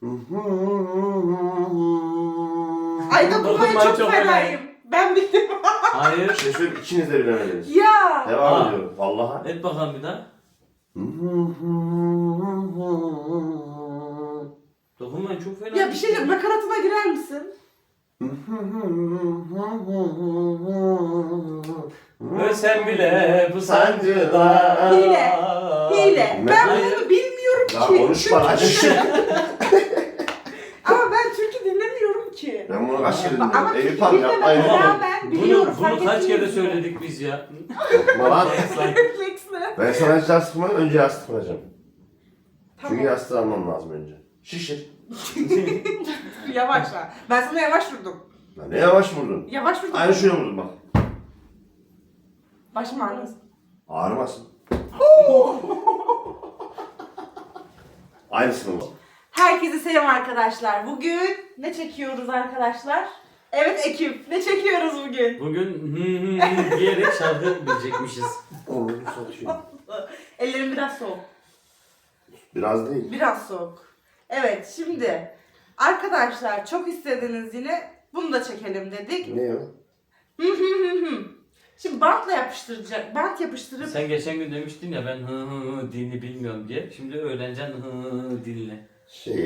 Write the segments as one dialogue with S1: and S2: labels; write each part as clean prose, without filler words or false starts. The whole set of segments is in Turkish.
S1: Ay dokunmayı
S2: Dokunmayı
S1: çok
S2: çok
S1: fenayım. Ben bildim.
S2: Hayır.
S3: Şey söyleyeyim, ikiniz de bilemediniz.
S1: Ya.
S3: Devam
S2: Aa.
S3: ediyorum. Vallahi.
S2: Et bakalım bir daha. Dokunmayın çok fena.
S1: Ya bir şey diyeyim, nakaratına girer misin?
S2: Ve sen bile bu sancıda.
S1: Hile. Hile. Ben
S2: Hayır.
S1: bunu bilmiyorum
S3: Daha
S1: ki.
S3: konuşma lan.
S1: Ama ben türkü dinlemiyorum ki.
S3: Ben bunu kaç kere
S1: Ama
S3: dinledim.
S1: türkü
S3: Eyüp Han yapmayın.
S1: dinlememe
S2: Ama
S1: rağmen biliyorum.
S2: Bunu
S1: fark
S2: kaç kere
S1: ettiniz mi?
S2: söyledik biz ya.
S3: Lan.
S1: Refleksle.
S3: Ben sana hiç yastıkmadan önce yastıklayacağım.
S1: Tamam.
S3: Çünkü yastığı almam lazım önce. Şişir.
S1: Yavaşla. Ben sana yavaş vurdum.
S3: Lan ne yavaş vurdun.
S1: Yavaş vurdum.
S3: Aynı şöyle vurdum bak.
S1: Başım ağrısın.
S3: Ağrımasın. Aynısını vur.
S1: Herkese selam arkadaşlar. Bugün ne çekiyoruz arkadaşlar? Evet ekip. Ne çekiyoruz bugün?
S2: Bugün diyerek şarkı bilecekmişiz.
S3: Onu satıyor.
S1: Ellerim biraz soğuk.
S3: Biraz değil.
S1: Biraz soğuk. Evet şimdi arkadaşlar çok istediniz yine bunu da çekelim dedik.
S3: Ne o?
S1: Şimdi bantla yapıştıracak. Bant yapıştırıp
S2: Sen geçen gün demiştin ya ben dilini bilmiyorum diye. Şimdi öğreneceksin dilini.
S3: Şey.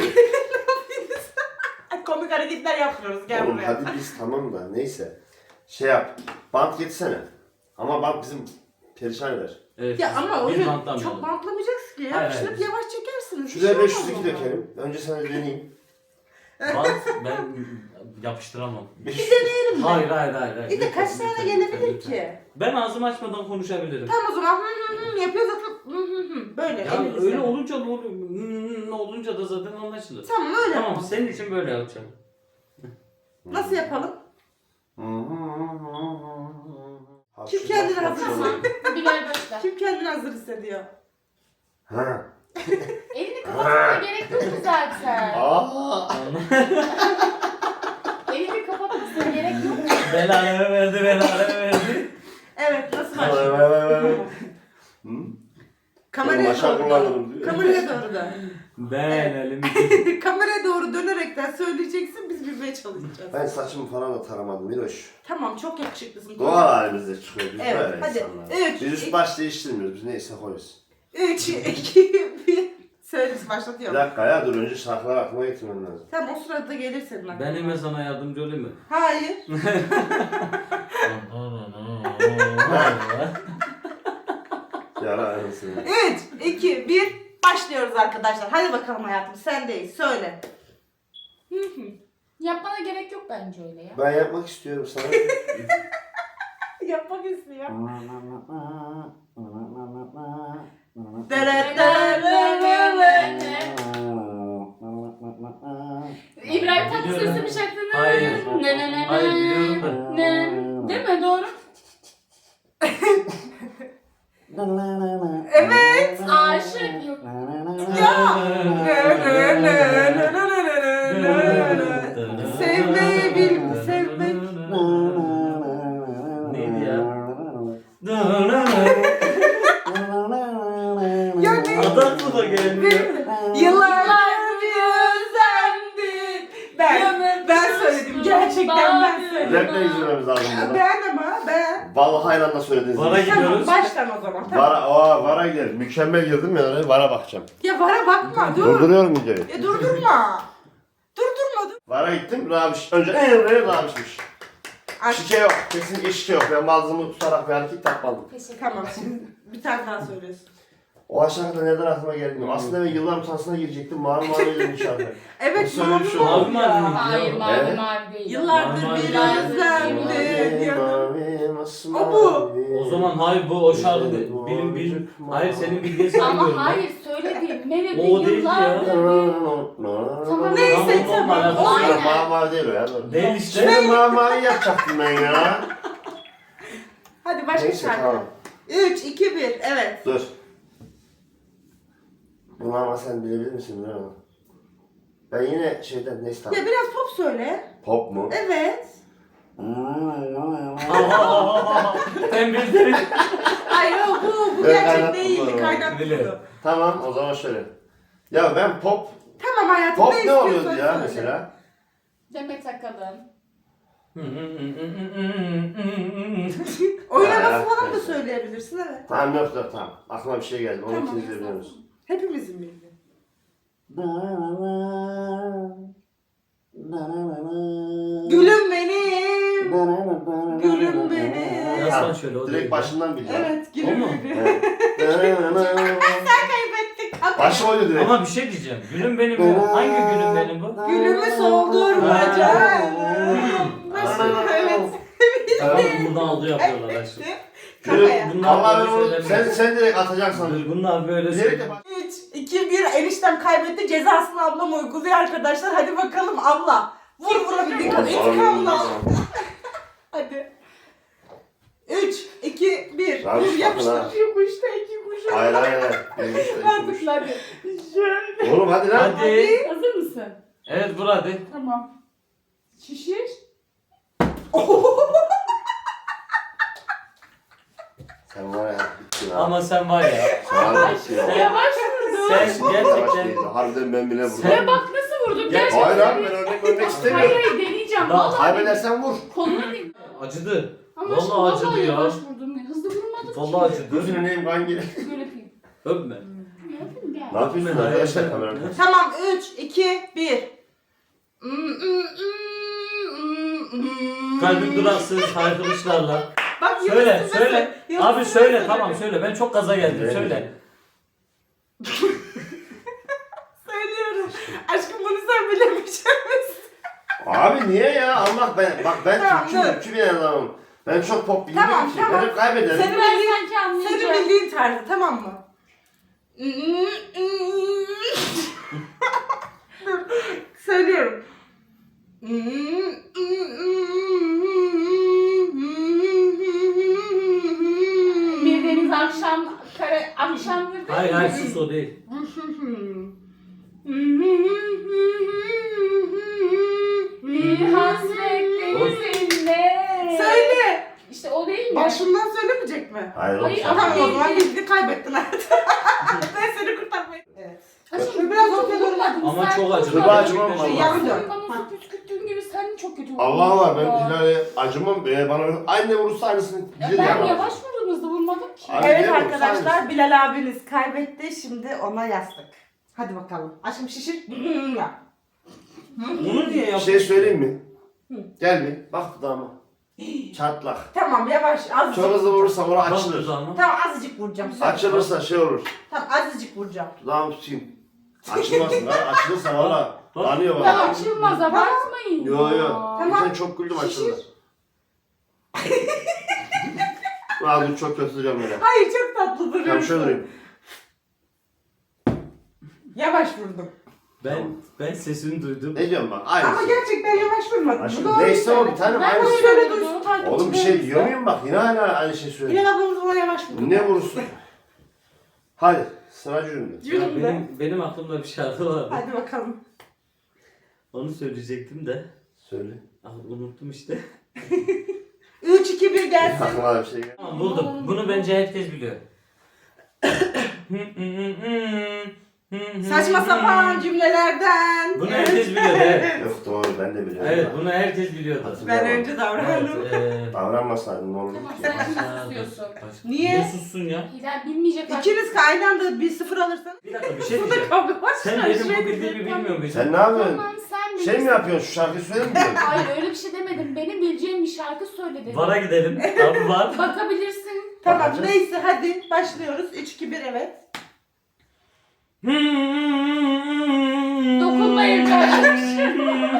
S1: komik hareketler yapıyoruz. Gel
S3: Oğlum
S1: buraya.
S3: hadi biz tamam da neyse. Şey yap. Bant getirsene. Ama bant bizim perişan eder.
S2: Evet,
S1: Ya ama
S2: biz
S1: öyle
S2: bantlamayalım.
S1: çok bantlamayacaksın ki.
S2: Hayır,
S1: Yapıştırıp
S2: hayır.
S1: yavaş çekersiniz. Bir
S3: Şuraya
S1: şey
S3: 502
S1: olmaz ona.
S3: dökelim. Önce sana bir deneyeyim.
S2: Bant ben yapıştıramam.
S1: Bir deneyelim mi?
S2: Hayır.
S1: Bir de kaç
S2: Lütfen,
S1: tane
S2: lütfen,
S1: gelebilir
S2: lütfen.
S1: ki?
S2: Ben ağzımı açmadan konuşabilirim.
S1: Tamam o zaman yapıyoruz böyle
S2: Ya
S1: elimizle.
S2: öyle olunca da olunca da zaten anlaşılır.
S1: Tamam öyle
S2: Tamam
S1: yapalım.
S2: senin için böyle yapacağım.
S1: Nasıl yapalım? Kim
S3: Hapşırmak,
S1: kendini hazır
S3: hapşırmak.
S4: Bilal başla.
S1: Kim kendini hazır hissediyor?
S3: Ha.
S4: Elini kapatmana gerek yok ki zaten.
S3: Aa.
S4: Elini kapatmasına gerek yok.
S2: Belanı verdi.
S1: Evet nasıl
S3: Vay
S1: başlıyor?
S3: vay vay vay. Hı?
S1: Kameraya
S3: Maşa
S1: doğru
S3: kullanırım
S1: dön.
S3: diyor.
S1: Kameraya doğru dön.
S2: Ben elimi
S1: Kameraya doğru dönerekten söyleyeceksin biz bilmeye çalışacağız.
S3: Ben saçımı falan da taramadım Miroş.
S1: Tamam çok yakışıklısın.
S3: Doğal halimizde çıkıyor biz
S1: Evet,
S3: böyle
S1: hadi.
S3: insanlar.
S1: Üç,
S3: Biz üst
S1: iki-
S3: baş değiştirmiyoruz. Biz neyse koyuyoruz.
S1: 3, 2, 1. Söyle
S3: Bir
S1: başlatıyorum.
S3: dakika ya dur önce şarkılar aklıma getirmem lazım.
S1: Tamam o sırada gelir senin aklına.
S2: Ben hemen sana yardımcı olayım mı?
S1: Hayır.
S3: Yara arasını.
S1: 3, 2, 1. Başlıyoruz arkadaşlar. Hadi bakalım hayatım sendeyiz. Söyle.
S4: Yapmana gerek yok bence öyle ya.
S3: Ben yapmak istiyorum sana.
S1: Yapmak istiyor.
S4: İbrahim Tatlıses'in bir şarkını.
S2: Hayır.
S4: Ne.
S2: Hayır, biliyorum da.
S4: Ne. Değil mi? Doğru.
S1: Evet.
S4: Aşık yok.
S1: Sevmeyi bil, sevmek.
S2: Neydi ya?
S1: Ya ne?
S2: Adı aklıma gelmiyor.
S1: Yıllardır özlemdim. Ben söyledim. Gerçekten ben söyledim.
S3: Rap'le izlememiz lazım burada.
S1: Ben ama ben.
S3: Vallahi aynı anda söylediniz.
S2: Vara
S1: Tamam
S2: gidiyoruz.
S1: baştan o zaman. Tamam.
S3: Vara gidelim. Mükemmel girdim ya oraya. Vara bakacağım.
S1: Ya vara bakma dur.
S3: Durduruyorum videoyu.
S1: Ya durdurma. Durdurma dur.
S3: Vara gittim. Rabiş. Önce Emre'ye Rabiş'miş.
S1: Aç.
S3: Şike yok. Kesinlikle şike yok. Ben bazımı tutarak bir hareket yapmadım.
S4: Teşekkür
S1: Tamam şimdi bir tane daha söylüyorsun.
S3: O aşağıda neden aklıma geldi bilmiyorum. Aslında ben yıllar utansına girecektim. Mavi mavi dedim şarkı.
S1: Evet
S3: Nasıl öyle bir şey
S1: mavi
S3: oldu?
S1: oldu ya.
S4: Hayır mavi
S3: Evet.
S4: mavi değil.
S1: Yıllardır
S2: Mavi,
S1: bir
S2: mavi,
S1: özlemdi diyordum.
S3: mavi, masmavi.
S1: O bu.
S2: O zaman hayır bu o şarkı değil. Bilim. Hayır senin bildiğin saygıyorum.
S4: Ama hayır söylediğim melodi
S2: O değil ya.
S4: yıllardır. Tamam.
S1: Neyse
S2: Tamam,
S1: tamam.
S2: tamam.
S1: Aynen.
S3: Mavi mavi değil o ya. Dur.
S2: Değil işte.
S3: Şimdi mavi mavi yapacaktım ben ya.
S1: Hadi başka
S3: Neyse
S1: şarkı.
S3: tamam.
S1: 3, 2, 1 evet.
S3: Dur. Bunu ama sen bilebilir misin bilmiyorum ama. Ben yine şeyden neyse tamam.
S1: Ya biraz pop söyle.
S3: Pop mu?
S1: Evet.
S2: Ben bildim.
S1: Hayır o bu
S3: Ben
S1: gerçek
S3: kaynattım
S1: değildi
S3: bunu.
S1: kaynattım
S2: Biliyorum.
S1: bunu.
S3: Tamam o zaman şöyle. Ya ben pop
S1: Tamam ama hayatım.
S3: Pop ne
S1: istiyorsan
S3: oluyordu ya
S1: söyle.
S3: mesela?
S4: Demet Akalın.
S1: Oynaması
S3: Ha,
S1: falan da
S3: neyse.
S1: söyleyebilirsin evet.
S3: Tamam yok tamam. Aklıma bir şey geldi. Onu
S1: Tamam.
S3: ikiniz de biliyorsunuz.
S1: Hepimizin bildiği. Gülüm benim. Gülüm benim.
S2: Yazsan şöyle o
S3: Direkt
S2: değil.
S3: başından bil ya.
S1: Evet
S2: O
S1: gülüm
S2: mu?
S1: benim.
S3: Evet.
S1: Kaybettik.
S3: Başı oydu direkt.
S2: Ama bir şey diyeceğim. Gülüm benim ya. Hangi gülüm benim bu?
S1: Gülümü soldurma canım. Evet.
S2: Tamam buradan aldı yapıyorlar aşkım.
S1: Kafaya.
S2: Bunlar
S3: Allah
S2: böyle
S3: ben onu
S2: söylemiyor.
S3: sen direkt atacaksın.
S2: Bunlar böyle
S3: Direkt
S2: söylüyor.
S3: de bak.
S1: 3, 2, 1 eniştem kaybetti. Cezasını ablam uyguluyor arkadaşlar. Hadi bakalım abla. Vur vurabildiğin kadar. İntikamını al. Hadi. 3, 2, 1.
S3: Lan
S1: Vur
S3: sakın
S1: yapıştır.
S3: ha.
S1: Yok işte 2 kuş.
S3: Hayır hayır hayır. Benim işte iki
S1: Artık
S3: kuş.
S1: hadi. Şöyle.
S3: Oğlum hadi lan.
S2: Hadi.
S4: Hazır mısın?
S2: Evet vur hadi.
S4: Tamam. Şişir.
S3: Sen var ya bittin ha.
S2: Ama sen var ya.
S3: Sen var ya bittin ya.
S4: Yavaş vurdum.
S2: Sen
S3: Yavaş
S2: gerçekten.
S3: değildi. Harbiden ben bile vurdum.
S2: Sen-
S4: Ya bak nasıl vurdum
S2: Gel-
S4: gerçekten.
S3: Hayır abi ben örnek
S4: Hayır
S3: istemiyorum.
S4: hayır deneyeceğim.
S2: Daha
S4: Vallahi
S3: Kaybedersen vur.
S4: kolunu değil.
S2: Acıdı.
S4: Ama
S2: Vallahi acıdı ya.
S4: yavaş vurdum. Hızlı vurmadım
S2: Vallahi
S4: ki.
S2: acıdı.
S3: Gözünü neyim kan gel.
S4: Böyle yapayım.
S2: Öpme.
S4: Yapayım gel.
S3: Ne yapıyorsun arkadaşlar kamerada?
S1: Tamam 3, 2, 1.
S2: Kalbim duraksız haykırışlarla.
S1: Bak
S2: Söyle
S1: Yıldız
S2: söyle.
S1: Yıldız
S2: Abi
S1: Tilbe
S2: söyle
S1: söyledi.
S2: tamam söyle. Ben çok gaza geldim
S3: Evet.
S2: söyle.
S1: Söylüyorum. Aşkım bunu sen bilemeyeceksin.
S3: Abi niye ya? Allah ben
S1: Tamam, dur.
S3: Türkçü bir adamım. Ben çok pop bilmiyorum
S1: Tamam,
S3: ki.
S1: tamam.
S3: Ben hep kaybederim.
S1: Senin
S4: Ben
S1: bildiğin,
S4: sanki anlayacağım.
S1: senin bildiğin tarzı tamam mı? Dur, söylüyorum.
S4: Bir deniz akşam akşamdır değil
S2: Hayır
S4: mi?
S2: hayır sus o değil.
S4: Bir hasret denizinde.
S1: Söyle.
S4: İşte o değil mi?
S1: Başından söylemeyecek mi?
S3: Hayır oğlum
S4: Hayır,
S3: sen.
S4: ama-
S1: Tamam o zaman bildi kaybettin hayatım. Ben seni kurtarmayı. Evet.
S4: Aşkım
S1: Biraz
S4: biraz
S1: ortaya doğru
S4: vurmadım.
S2: Ama
S4: Sen
S2: çok acıdı.
S3: Dur,
S4: vurmadın.
S3: acımam
S2: Gerçekten
S3: vallahi.
S2: çok
S1: Yarın
S2: acıdı.
S1: dön.
S4: Sen bana su püskürttüğün gibi sen çok kötü vurdun.
S3: Allah var ben
S4: Ya.
S3: Hilal'e acımam. Bana aynı vurursa aynısını
S4: Ya
S3: bilir
S4: ben
S3: yani.
S4: yavaş vurdum hızlı vurmadım ki.
S3: Abi,
S1: Evet
S3: değil mi?
S1: arkadaşlar
S3: Sayın.
S1: Bilal abiniz kaybetti. Şimdi ona yastık. Hadi bakalım. Aşkım şişir. Ya.
S2: Bunu niye
S3: Bir
S2: yaptın?
S3: şey söyleyeyim mi?
S1: Hı.
S3: Gel bir. Bak dudağıma. Çatlak.
S1: Tamam yavaş azıcık.
S3: Çok hızlı vurursam orası
S2: Bak
S3: açılır.
S2: dudağıma.
S1: Tamam azıcık vuracağım. Söyle.
S3: Açılırsa şey olur.
S1: Tamam azıcık vuracağım.
S3: Dudağımı tutayım. Açılmasın lan. Açılırsa valla.
S2: Bak.
S3: Lanıyor
S4: Ya
S3: bana.
S4: açılmaz abartmayın.
S3: Yo yo.
S1: Tamam.
S3: Sen çok güldüm açılır. Lan dur çok kötü duracağım böyle.
S1: Hayır çok tatlı duruyorsun.
S3: Tamam şöyle durayım.
S1: Yavaş vurdum.
S2: Ben sesini duydum.
S3: Ne diyorum bak?
S1: Ama
S3: Aynısı.
S1: gerçekten yavaş vurmadım.
S3: Aşkım
S1: Bu doğru
S3: neyse o
S1: söyle.
S3: bir tane
S4: Ben
S3: aynısı.
S4: böyle
S1: Şöyle
S4: vurdum.
S1: duysun takipçilerimiz.
S3: Oğlum bir şey diyor muyum bak yine hala aynı şey söylüyor.
S1: Bilal ablamız bana yavaş vurdu.
S3: Ne vurursun? Hadi sıra cürümde.
S2: Ya
S1: Cürümde.
S2: benim aklımda bir şarkı vardı.
S1: Hadi bakalım.
S2: Onu söyleyecektim de.
S3: Söyle.
S2: Unuttum işte.
S1: 3, 2, 1 gelsin.
S3: Aklıma bir şey geldi.
S2: Tamam buldum. Bunu bence herkes biliyor.
S1: Saçma sapan cümlelerden.
S2: Bunu herkes biliyor evet.
S3: Yok doğru ben de biliyorum.
S2: Evet bunu herkes biliyordu.
S1: Ben önce davrandım.
S3: Davranmasaydın ne olurdu
S4: Tamam
S3: ki?
S4: sen şimdi susuyorsun.
S1: Niye?
S2: Niye sussun ya?
S4: Hilal bilmeyecek artık.
S1: İkiniz aynı anda bir sıfır alırsanız.
S2: Bir dakika bir şey diyeceğim.
S1: Kavga var.
S2: Sen benim bu bildiğimi bilmiyor muydun?
S3: Sen ne yapıyorsun?
S4: Tamam sen
S3: Şey mi
S4: bilirsin.
S3: yapıyorsun? Şu şarkıyı söyle mi diyorsun?
S4: Hayır öyle bir şey demedim. Benim bileceğim bir şarkı söyle dedim.
S2: Vara gidelim. Abi var.
S4: Bakabilirsin.
S1: Tamam
S3: Bakacağız.
S1: neyse hadi başlıyoruz. 3, 2, 1 evet.
S4: Dokunmayın kardeşim.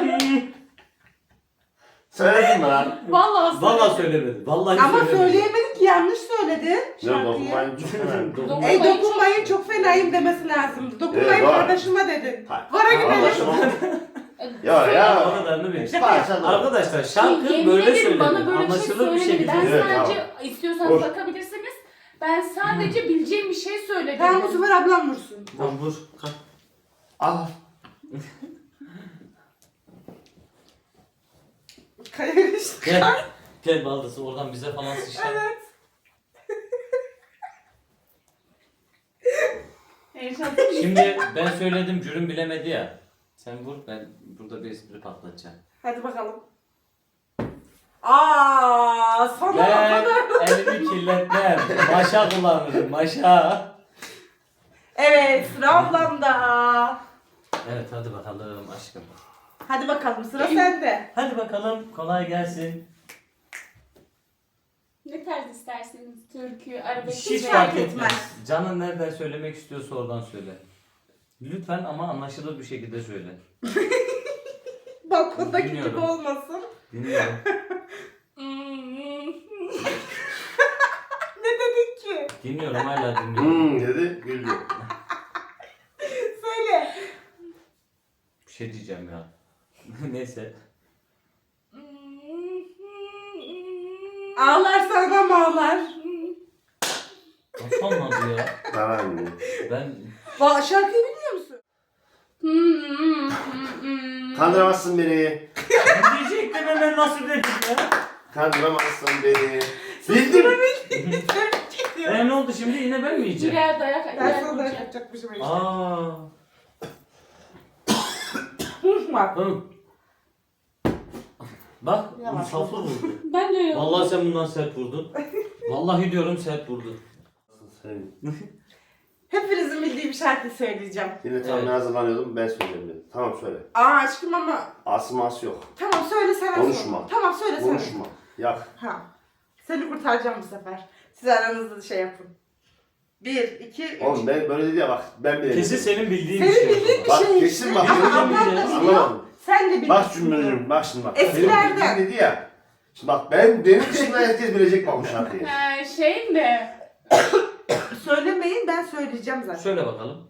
S3: Söyledin mi lan?
S4: Vallahi
S2: Vallahi söylemedi. Vallahi
S1: Ama
S2: söylemedi.
S1: söyleyemedik ki yanlış söyledi
S3: Ne
S1: şarkıyı.
S3: dokunmayın çok önemli.
S4: Dokunmayın.
S1: Dokunmayın çok fenayım demesi lazımdı. Dokunmayın
S3: Evet, var.
S1: kardeşime dedi.
S3: Hayır.
S1: Vara gidelim.
S3: Anlaşıldı. Ya
S2: O
S3: ya.
S2: kadarını bil.
S3: Parça da.
S2: Arkadaşlar şarkı
S4: Yemin
S2: böyle
S4: ederim
S2: söylenir.
S4: bana böyle bir şey
S2: Anlaşılır bir
S4: söylemedi. Ben
S2: şekilde.
S3: Evet,
S4: sadece istiyorsanız
S3: Boş.
S4: bakabilirsiniz. Ben sadece bileceğim bir şey söyledim.
S1: Tamam bu sefer ablam vursun.
S2: Tamam vur. Kalk.
S3: Al.
S1: Kayış.
S2: Gel. Gel baldızı oradan bize falan sıçrar.
S1: Evet.
S4: Heyecan.
S2: Şimdi ben söyledim cürüm bilemedi ya. Sen vur, ben burada bir espri patlatacağım.
S1: Hadi bakalım. Aa, sana o
S2: Ben
S1: kadar.
S2: elimi kirletmem. Maşa kullanırım, maşa.
S1: Evet, sıra ablamda.
S2: Evet, hadi bakalım aşkım.
S1: Hadi bakalım, sıra sende.
S2: Hadi bakalım, kolay gelsin.
S4: Ne tarz isterseniz türkü, arabesk.
S2: Hiç
S1: fark
S2: fark
S1: etmez.
S2: etmez. Canın nereden söylemek istiyorsa oradan söyle. Lütfen ama anlaşılır bir şekilde söyle.
S1: Balkondaki gibi
S2: Bilmiyorum.
S1: olmasın.
S2: Dinliyorum.
S1: Ne dedin ki?
S2: Dinliyorum, hala dinliyorum.
S3: Dedi güldü.
S1: Söyle.
S2: Bir şey diyeceğim ya. Neyse.
S1: Ağlarsa adam ağlar.
S2: Nasıl olmadı ya?
S3: Tamam.
S2: Ben...
S1: Şarkıyı biliyor musun?
S3: Kandıramazsın beni.
S2: Ne diyecektim hemen nasıl dedim ya?
S3: Kandıramazsın beni. Bildim.
S2: Ne oldu şimdi, yine ben mi yiyeceğim?
S4: Birer dayak
S1: Ben sana da
S4: yiyeceğim.
S1: yapacakmışım işte.
S2: Aa.
S1: Bak.
S2: Hı. Bak,
S1: Yavaş.
S2: saflı vurdu.
S4: Ben de öyle.
S2: Vallahi sen bundan sert vurdun. Vallahi diyorum sert vurdun.
S3: Sen
S1: Hepinizin bildiği bir şarkı söyleyeceğim.
S3: yine tam
S2: Evet.
S3: hazırlanıyordum ben söyleyeyim dedim. Tamam söyle.
S1: Aşkım ama.
S3: Asım yok.
S1: Tamam söyle sen.
S3: Konuşma.
S1: Tamam söyle sen.
S3: Konuşma. Yak.
S1: Ha. Seni kurtaracağım bu sefer. Siz aranızda şey yapın. 1, 2, 3.
S3: Oğlum ben böyle dedi ya bak ben bile.
S2: Kesin senin bildiğin
S1: Senin
S2: bir şey.
S1: bildiğin bir
S3: Bak
S1: şey
S3: kesin
S1: işte.
S3: bak.
S1: Ama
S3: Ama
S1: ablam da
S2: bilmiyorum.
S1: biliyor.
S3: Anlamadım.
S1: Sen de biliyorsun.
S3: Bak cümlelerim bak şimdi bak.
S1: Eskilerden.
S3: Benim bildiğim dedi ya. Şimdi bak benim dışında herkes bilecek bak bu şarkıyı.
S4: Şey mi?
S1: Söylemeyin ben söyleyeceğim zaten.
S2: Söyle bakalım.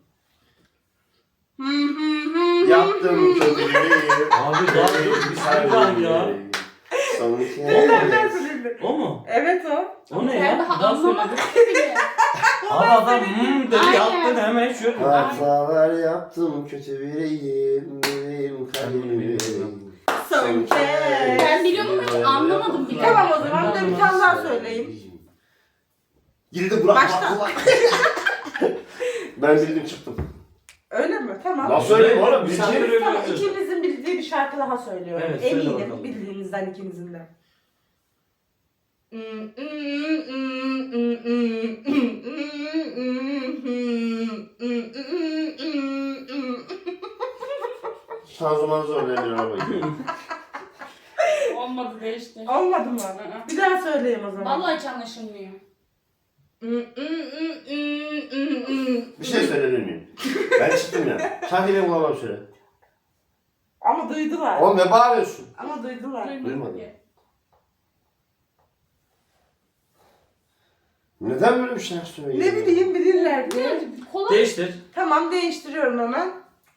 S3: Yaptım kötülüğü.
S2: Abi daha dur, bir şey var ya.
S3: Son
S1: Ben
S3: kez.
S1: söyleyeyim.
S2: O mu?
S1: Evet o.
S2: O ne
S4: Ben
S2: ya? Bir
S4: daha
S2: daha
S4: anlamadım
S2: söyle.
S4: bile.
S2: Abi adam dedi
S4: Aynen.
S2: yaptın hemen şöyle.
S3: Hatalar yaptım kötü biriyim. Benim kalbim.
S1: Son kez.
S4: Ben biliyorum ama hiç anlamadım bile.
S1: Tamam o zaman bir de bir tane daha söyleyeyim.
S3: Yine de bırak
S1: Başla.
S3: bak. Ben bildim çıktım.
S1: Öyle mi? Tamam.
S3: Nasıl söyleyeyim oğlum?
S2: Misafir
S3: Bildiğin.
S2: öyle
S1: Tamam
S2: yapıyorsun.
S1: ikimizin bildiği bir şarkı daha söylüyorum.
S2: Evet, söyle
S1: Eminim
S2: bakalım.
S1: bildiğinizden ikinizin de.
S3: Şanzımanı zorlayabilir arabayı.
S4: Olmadı değişti.
S1: Olmadı mı? Bir daha söyleyeyim o zaman.
S4: Vallahi hiç anlaşılmıyor.
S3: Bir şey söyleyebilir miyim? Ben çıktım ya. Şarkıyı ben bulamam söyle.
S1: Ama duydular.
S3: Oğlum ne bağırıyorsun?
S1: Ama duydular.
S3: Duymadım. Neden böyle bir şarkı söylüyorsun?
S1: Ne bileyim bilirler diye.
S4: Kolay.
S2: Değiştir.
S1: Tamam değiştiriyorum hemen.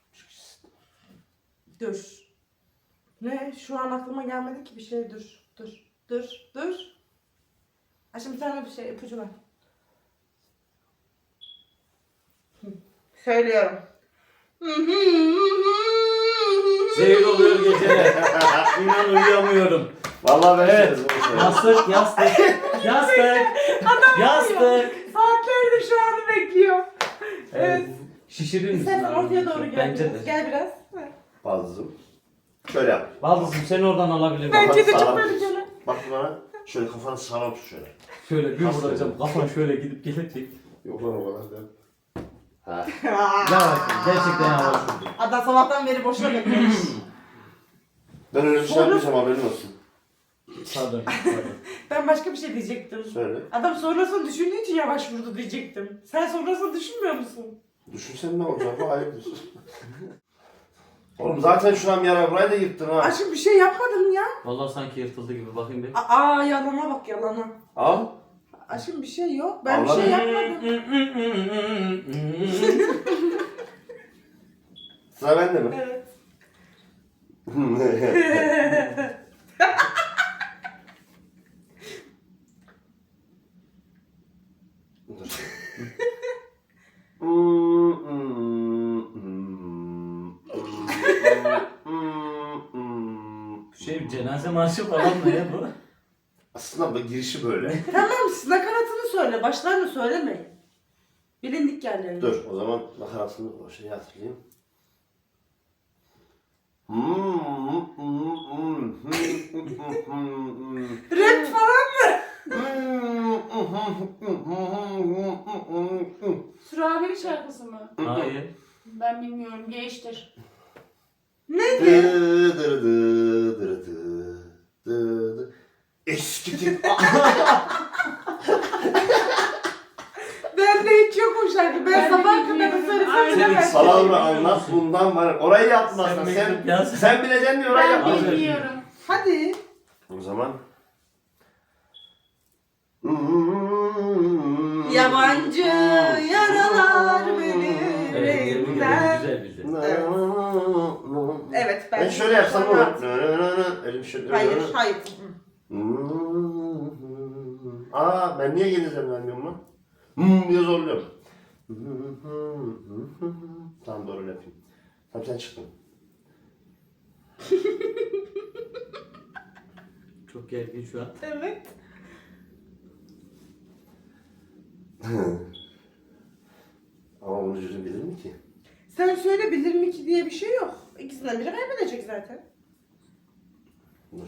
S1: Dur. Ne? Şu an aklıma gelmedi ki bir şey. Dur. Ha şimdi bir tane bir şey ipucu ver. Söylüyorum.
S2: Zehir oluyor geceler. İnan uyuyamıyorum.
S3: Vallahi ben
S2: Evet.
S3: söyledim, onu
S2: Yastık, yastık. Yastık. Yastık.
S1: Saatlerdir şu anı bekliyor.
S2: Evet. Şişirir misin?
S1: İstersen
S2: abi?
S1: ortaya doğru gel.
S2: Bence
S1: biraz.
S2: de.
S1: Gel biraz.
S3: Bazım. Şöyle yap.
S2: Baldızım seni oradan alabilirim.
S1: Bence de
S3: Sağlam
S1: çok
S3: tut.
S1: tehlikeli.
S3: Bak bana. Şöyle kafanı sağlam tut şöyle.
S2: Şöyle bir
S3: Nasıl
S2: vuracağım. Kafan şöyle gidip gelecek.
S3: Yok lan o kadar da. Ha.
S2: Yavaş. Gerçekten yavaş vurdu.
S1: Adam sabahtan beri boşuna beklemiş.
S3: Ben öyle bir şey yapmayacağım haberin olsun.
S2: Pardon.
S1: Ben başka bir şey diyecektim.
S3: Söyle.
S1: Adam sonrasını düşündüğü için yavaş vurdu diyecektim. Sen sonrasını düşünmüyor musun?
S3: Düşünsen ne olacak? Bu ayıptır. Oğlum zaten şuran bir ara burayı da yırttın ha.
S1: Aşkım bir şey yapmadım ya.
S2: Vallahi sanki yırtıldı gibi, bakayım bir.
S1: Aa yalana bak yalana.
S3: Al.
S1: Aşkım bir şey yok. Ben bir
S3: Allah
S1: şey
S3: Allah.
S1: yapmadım.
S3: Sıra bende mi?
S1: Evet.
S3: Dur.
S2: Şey, cenaze marşı falan mı ya bu?
S3: Aslında bu girişi böyle.
S1: Tamam siz nakaratını söyle. Başlarını söylemeyin. Bilindik yerlerini.
S3: Dur o zaman nakaratını o şeyi hatırlayayım.
S1: Rap falan mı?
S4: Surabi'nin şarkısı mı?
S2: Hayır.
S4: Ben bilmiyorum. Geçtir.
S1: Neydi?
S3: Eski tip.
S1: Bende hiç yok o şarkı. Ben
S4: Ben de
S1: sabah kadar
S4: bilmiyorum.
S1: söylesem
S4: Aynen.
S1: bilemezsin.
S3: Salavra anlat bundan var. Orayı yaptın
S2: Sen
S3: aslında.
S2: mektup yaz.
S3: Sen bileceksin diye orayı
S4: Ben
S3: yaptın.
S4: bilmiyorum.
S1: Hadi.
S3: O zaman.
S1: Yabancı yaralar beni
S2: Evet, tebrik ederim.
S1: yüreğimden.
S2: Güzel bildi.
S1: Evet
S3: Ben şöyle yapsam
S1: sonra-
S3: olur. Elim şöyle.
S1: Hayır, hayır.
S3: Aa ben niye geleceğim vermiyorum lan? Diye zorluyorum. Tamam doğru yapayım. Tamam sen çıktın.
S2: Çok gergin şu an.
S1: Evet.
S3: Ama bunu cüzün bilir mi ki?
S1: Sen söyle bilir mi ki diye bir şey yok. İkisinden biri kaybedecek zaten.
S3: Dur.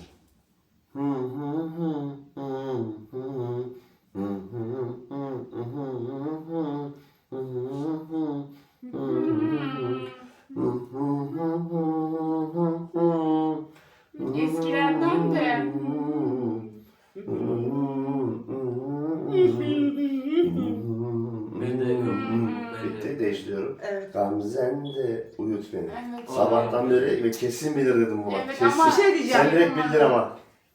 S4: Eskilerden de.
S2: Ben de yok. Ben de.
S3: Bitti değiştiriyorum.
S1: Evet.
S3: Gamzen de uyut beni.
S4: Evet.
S3: Sabahtan beri ve kesin bilir dedim bu.
S4: Evet
S3: Kesin.
S4: ama-
S1: Bir şey diyeceğim.
S3: Sen direkt bildin ama.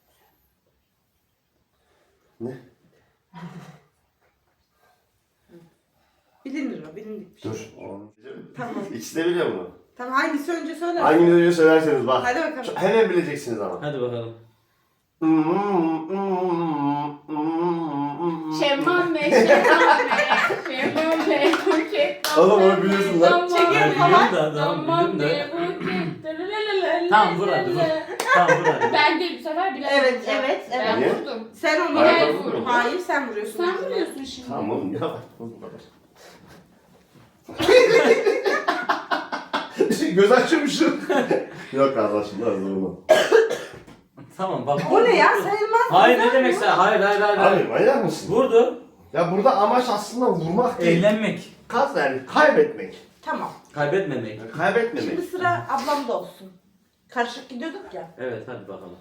S3: Ne?
S1: Bilinir o, bilindik bir şey.
S3: Dur.
S1: Tamam.
S3: İkisi de biliyor bunu.
S1: Tamam hangisi önce söyler?
S3: Hangi videoyu söylerseniz bak.
S1: Hadi bakalım.
S3: Hemen bileceksiniz ama.
S2: Hadi bakalım.
S4: Şemman Bey, Şemman Bey, Şemman Bey, Buket.
S3: Oğlum onu biliyorsun lan.
S1: Çekelim
S2: Ben
S1: falan.
S2: biliyorum da, tamam
S4: Aman
S2: biliyorum
S4: Bey,
S2: da.
S4: Buket.
S2: Tamam vur hadi vur. Tamam vur hadi.
S4: Ben de bu sefer bilemedim.
S1: Evet, evet, evet.
S4: Ben
S3: Niye?
S4: vurdum.
S1: Sen onu
S3: Hayır,
S1: Hayır,
S3: ben vurmuyorum.
S1: Hayır sen vuruyorsun.
S4: Sen vuruyorsun şimdi.
S3: Tamam oğlum ya bak. Bu kadar. Göz açıyormuşum. Yok arkadaşım da bunu.
S2: Tamam bak.
S1: O ne ya sayılmaz.
S2: Hayır ne demek sen? Hayır hayır hayır.
S3: Abi
S2: hayır.
S3: manyak mısın?
S2: Vurdu.
S3: Ya burada amaç aslında vurmak değil.
S2: Eğlenmek.
S3: Kaz yani kaybetmek.
S1: Tamam.
S2: Kaybetmemek.
S3: Yani kaybetmemek.
S1: Şimdi sıra ablamda olsun. Karışık gidiyorduk ya.
S2: Evet hadi bakalım.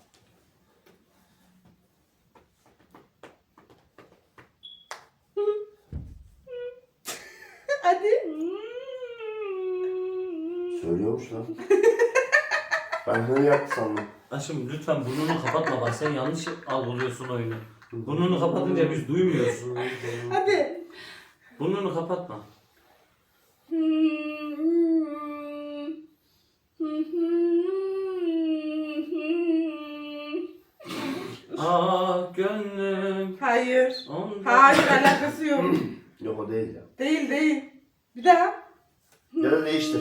S1: Hadi.
S3: Söylüyormuş lan. Ben hını yaptı sandım.
S2: Aşkım lütfen burnunu kapatma bak sen yanlış algılıyorsun oyunu. Burnunu kapatınca biz duymuyoruz.
S1: Hadi.
S2: Burnunu kapatma. Ah gönlüm.
S1: Hayır.
S2: Ondan...
S1: Hayır alakası yok.
S3: Yok o değil ya.
S1: Değil değil. Bir daha.
S3: Ya da değiştir.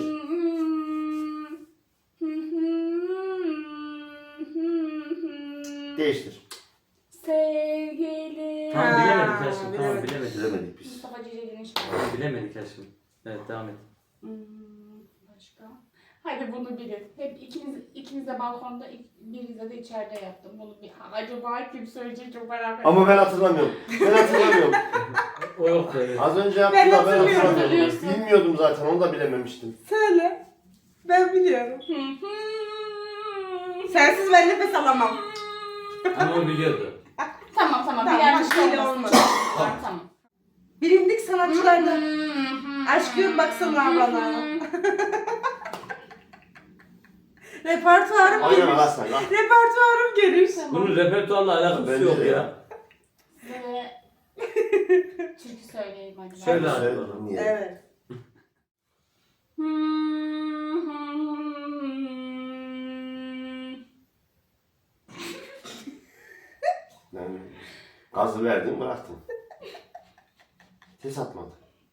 S3: Değiştir.
S4: Sevgili.
S2: Tamam bilemedik aşkım. Tamam
S1: bilemedik.
S2: bilemedik.
S3: Bilemedik biz.
S4: Mustafa Ceceli'nin şarkısı.
S2: Tamam, bilemedik aşkım. Evet devam et.
S4: Başka? Hadi bunu bilin. Hep ikiniz de balkonda, biriniz de içeride yaptım. Bunu bir acaba kim söyleyecek çok merak ediyorum.
S3: Ama ben hatırlamıyorum. Ben hatırlamıyorum.
S2: O yok böyle.
S3: Az önce yaptım da ben
S1: hatırlıyorum.
S3: hatırlamıyorum.
S4: Hatırlıyorsun.
S3: Bilmiyordum zaten onu da bilememiştim.
S1: Söyle. Ben biliyorum. Sensiz ben nefes alamam.
S2: Ama o biliyordu.
S4: Tamam
S1: Tamam,
S4: bir yanlış
S1: başka ile
S4: olmasın.
S1: olmadı.
S4: Tamam.
S1: Bilindik sanatçılardan. Aşkım baksana bana. Repertuarım
S3: Aynen
S1: geniş.
S3: Hasan lan.
S1: Repertuarım geniş.
S2: Bunun repertuarla alakası
S3: Bence
S2: yok
S3: de
S2: ya.
S4: Ve türkü söyleyeyim hadi.
S2: Söyle hadi
S3: Söyle,
S2: bakalım.
S3: niye?
S1: Evet.
S3: Yani gazı verdim bıraktım. Ses atmadı.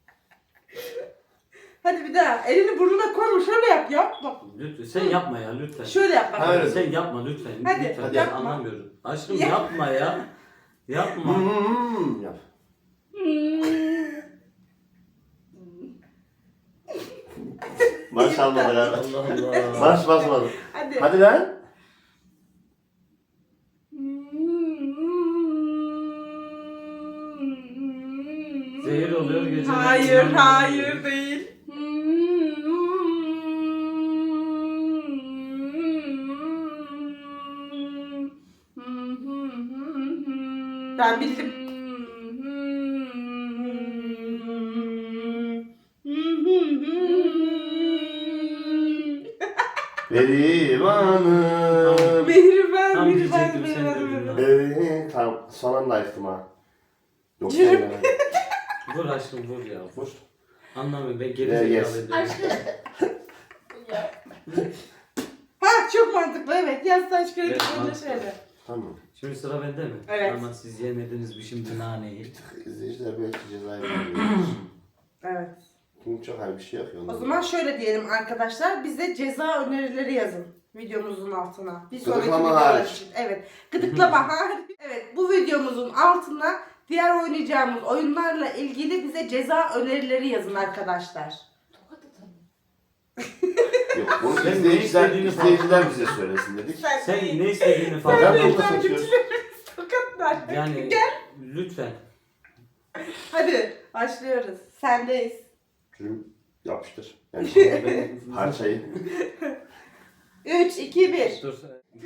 S1: Hadi bir daha. Elini burnuna koyma. Şöyle yap. Yap. Bak.
S2: Lütfen sen yapma ya lütfen.
S1: Şöyle yap bak.
S3: Ha, öyle.
S2: Sen yapma lütfen.
S1: Hadi,
S2: lütfen.
S3: hadi
S2: Ben
S1: yapma.
S2: anlamıyorum. Aşkım
S1: Yap.
S2: yapma ya. Yapma.
S3: Yap. Marş almadı ya.
S2: Allah Allah.
S3: Marş basmadı.
S1: Hadi.
S3: Hadi lan.
S2: Zehir oluyor geceleri.
S1: Hayır, hayır değil. Ben bildim.
S3: Berivanım.
S1: Mihriban,
S2: Tam
S1: Mihriban,
S2: diyecektim sen dedin
S1: Mihriban.
S2: lan.
S3: Tamam son anda açtım ha. Yok
S1: Yürü.
S3: yani.
S2: Vur aşkım vur ya.
S3: Vur.
S2: Anlamıyorum ben geri
S3: Gel,
S2: zekalı
S3: yes.
S2: ediyorum.
S4: Aşkım. Ya.
S1: Ha çok mantıklı evet. Yaz taş kağıt
S2: Evet,
S1: böyle
S2: mantıklı.
S1: şöyle.
S3: Tamam.
S2: Şimdi sıra bende mi?
S1: Evet.
S2: Ama siz yemediniz bir şimdi naneyi.
S3: İzleyiciler belki cezayı veriyor.
S1: Evet.
S3: Çünkü çok her bir şey yapıyor.
S1: O zaman şöyle diyelim arkadaşlar. Bize ceza önerileri yazın videomuzun altına. Bir sonraki
S3: Gıdıklama
S1: videolar
S3: hariç.
S1: için. Evet. Gıdıklama hariç. Evet. Bu videomuzun altına diğer oynayacağımız oyunlarla ilgili bize ceza önerileri yazın arkadaşlar.
S4: Tokat atalım.
S3: Yok bunu
S2: Sen ne
S3: izleyiciler
S2: istediğini
S3: izleyiciler bize söylesin dedik.
S2: Sen ne istediğini
S3: Ben
S2: falan.
S3: de orta seçiyoruz.
S1: Tokatlar.
S2: Yani lütfen.
S1: Hadi başlıyoruz. Sendeyiz.
S3: Cürüm yapıştır. Yani
S2: Ben-
S3: parçayı.
S1: 3, 2, 1.
S2: Dur.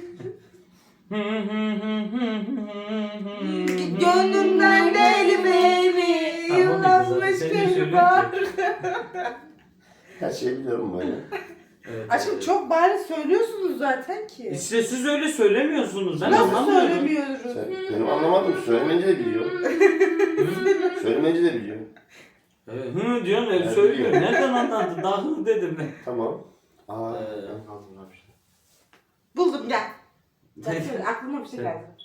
S1: Gönlümden deli beni.
S2: Tamam,
S1: Yıllanmış
S2: sen de
S1: bir
S2: söyle
S1: var.
S3: Her şeyi biliyorum böyle.
S2: Evet,
S1: Aşkım
S2: evet.
S1: çok bari söylüyorsunuz zaten ki.
S2: İşte siz öyle söylemiyorsunuz. Ben
S1: Nasıl
S2: anlamıyorum.
S1: söylemiyoruz?
S3: Sen, benim anlamadım. Söylemeyince de biliyor. Söylemeyince de biliyor.
S2: Hı diyorsun
S3: Ben
S2: öyle söylüyor.
S3: biliyorum.
S2: Nereden anladın? Daha hı dedim ben.
S3: Tamam. Aa,
S2: Ee,
S3: ben kaldım abi işte.
S1: Buldum gel. Bak söyle, aklıma bir şey
S2: Söyle.
S1: geldi.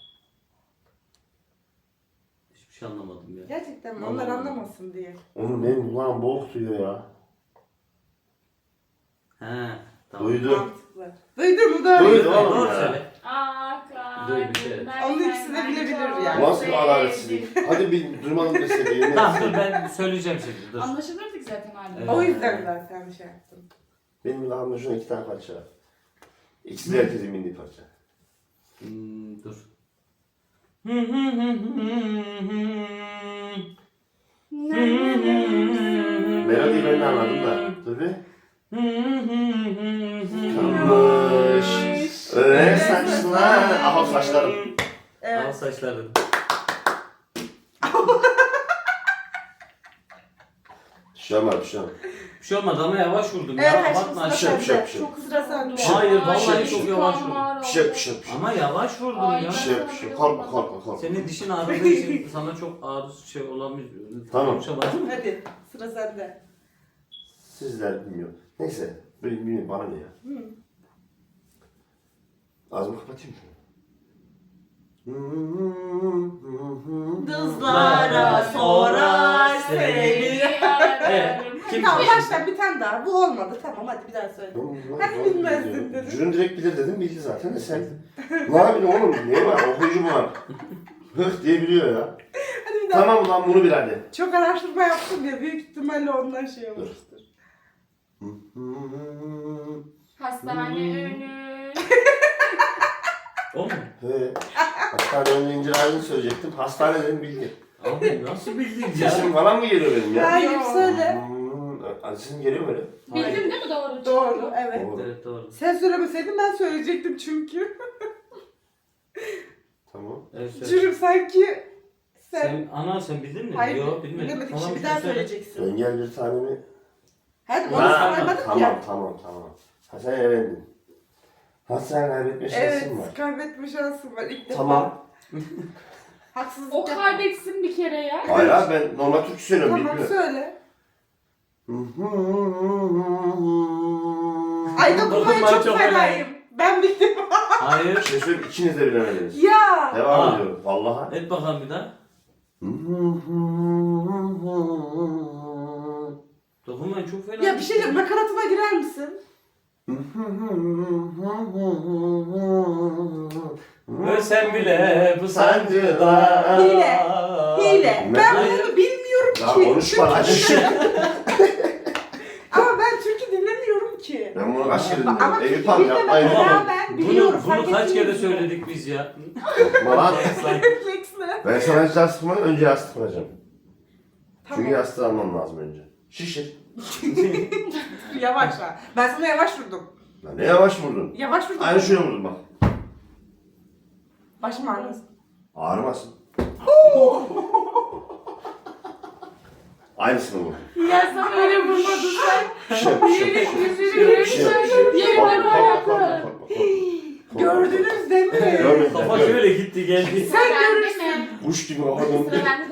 S2: Hiçbir şey anlamadım ya.
S1: Gerçekten mi? Onlar
S2: Anlamadım.
S1: anlamasın diye.
S3: Onun ne kulağım boğuk duyuyor ya.
S2: He. Tamam.
S3: Duydu.
S1: Mantıklı. Duydun mu? Doğru.
S3: Duydu oğlum
S2: Doğru
S3: ya.
S2: söyle. Dur, bir şey.
S1: Onun ikisi de bilebilir yani.
S3: Bu nasıl bir adaletsizlik? Hadi bir duymadım deseydi. yemin
S2: Tamam dur
S3: etsin.
S2: ben söyleyeceğim şimdi. Dur.
S4: Anlaşılırdık zaten hala.
S2: Evet.
S1: O yüzden zaten bir şey yaptım.
S3: Benim kulağımda şuna 2 tane parça var. İkisi de herkesin bildiği parça.
S2: Dur.
S3: Melodiyi ben de anladım da. Dur bir. Kalmış. Öyle saçlar. Aha saçlarım.
S2: Al
S1: Evet.
S2: saçların.
S3: Bir şey olmaz, bir şey olmaz.
S2: Bir şey olmadı ama yavaş vurdum
S1: Evet
S2: ya.
S1: aşkım
S2: Bakma
S1: sıra
S2: aşkım.
S3: bir şey
S1: sende.
S3: bir şey.
S1: Çok sıra sende.
S2: Hayır, vallahi
S3: Ay,
S2: çok yavaş vurdum.
S3: Bir şey, bir şey, bir şey.
S2: Ama yavaş vurdum
S4: Ay,
S2: ya.
S3: Bir şey, bir şey. Korkma, korkma, korkma.
S2: Senin dişin ağrıdığı için sana çok ağrı şey olamıyor.
S3: Tamam.
S2: Konuşamadım.
S1: Hadi sıra sende.
S3: Sizler bilmiyor. Neyse, bilmiyorum bana ne ya.
S1: Hı.
S3: Ağzımı kapatayım mı?
S1: Kızlara sorar seni.
S2: Evet. Kim
S1: Tamam
S2: bilir?
S1: başla bir tane daha. Bu olmadı. Tamam hadi bir daha söyle. Hadi bilmezdin dedim.
S3: Jürün direkt bilir dedim, bildi zaten de sen. Ne yapayım oğlum, ne var, okuyucu mu var? Hıh diye biliyor ya.
S1: Hadi bir daha.
S3: Tamam ulan bunu bil hadi.
S1: Çok araştırma yaptım ya. Büyük ihtimalle ondan şey olmuştur.
S4: Hastane önü.
S2: O mu?
S3: He. Hastane önce incir ağacını söyleyecektim. Hastane dedim bildi.
S2: Abi nasıl bildin ya?
S3: Sesim falan mı geliyor benim ya?
S1: Hayır söyle.
S3: Sesim geliyor mu öyle?
S4: Bildim değil mi doğru?
S1: Doğru evet.
S3: Doğru.
S2: Evet doğru.
S1: Sen söylemeseydin ben söyleyecektim çünkü.
S3: Tamam.
S2: Evet, söyle.
S1: Cürüm sanki sen...
S2: Sen bildin mi?
S1: Hayır
S2: Yok bilmedim.
S1: bilemedik.
S2: Tamam,
S1: Şimdi bir
S2: sen
S1: daha
S2: söyle.
S1: söyleyeceksin.
S3: Engel bir tanemi.
S1: Hadi onu
S3: Ha,
S1: saymadık
S3: tamam,
S1: ya.
S3: tamam. Ha sen elendin. Ha sen kaybetme şansın
S1: Evet
S3: var.
S1: kaybetme şansım var ilk defa.
S3: Tamam.
S1: Haksızlık
S4: O
S1: yapma.
S4: kaybetsin bir kere ya.
S3: Hayır abi ben normal Türkçe söylüyorum.
S1: Tamam
S3: bilmiyorum.
S1: söyle. Ay dokunmayı
S2: Dokunmayı
S1: çok
S2: çok
S1: fenayım. Ben bildim.
S2: Hayır.
S3: Bir şey söyleyeyim ikiniz de bilemediniz.
S1: Ya.
S3: Devam
S2: Aa.
S3: ediyorum vallahi.
S2: Et bakalım bir daha. Dokunmayın çok fena.
S1: Ya bir şey diyeyim nakaratıma girer misin?
S2: Ve sen bile bu sancıda.
S1: Hile.
S3: Ne?
S1: Ben
S2: Hayır.
S1: bunu bilmiyorum
S3: Ya
S1: ki.
S3: konuşma hadi.
S1: Ama ben türkü dinlemiyorum ki.
S3: kaç kere
S1: Ama
S3: dinledim. Eyüp abi yapmayın.
S1: Ya
S2: Tamam.
S1: ben biliyorum,
S2: Bunu
S1: fark
S2: kaç
S1: ettiniz
S2: kere
S1: mi?
S2: söyledik biz ya?
S3: Malat.
S1: Refleksle.
S3: Ben sana hiç yastık mı? Önce yastık vuracağım.
S1: Tamam.
S3: Çünkü yastığı almam lazım önce. Şişir.
S1: Yavaş ha. Ben sana yavaş vurdum.
S3: Lan ne yavaş vurdun.
S1: Yavaş vurdum.
S3: Aynı şöyle vurdum bak.
S1: Başım ağrısın.
S3: Ağrımasın. Aynısını vurdum.
S4: Ya sen öyle vurmadın sen.
S3: Şişir, şişir, şişir. Şişir,
S4: Yerine koyaklar.
S1: Gördünüz değil mi?
S3: Görmedim.
S2: Kafa şöyle gitti geldi.
S1: Sen
S4: Bende
S1: görürsün.
S4: mi?
S3: Kuş gibi kafa döndü.
S4: Sıra bende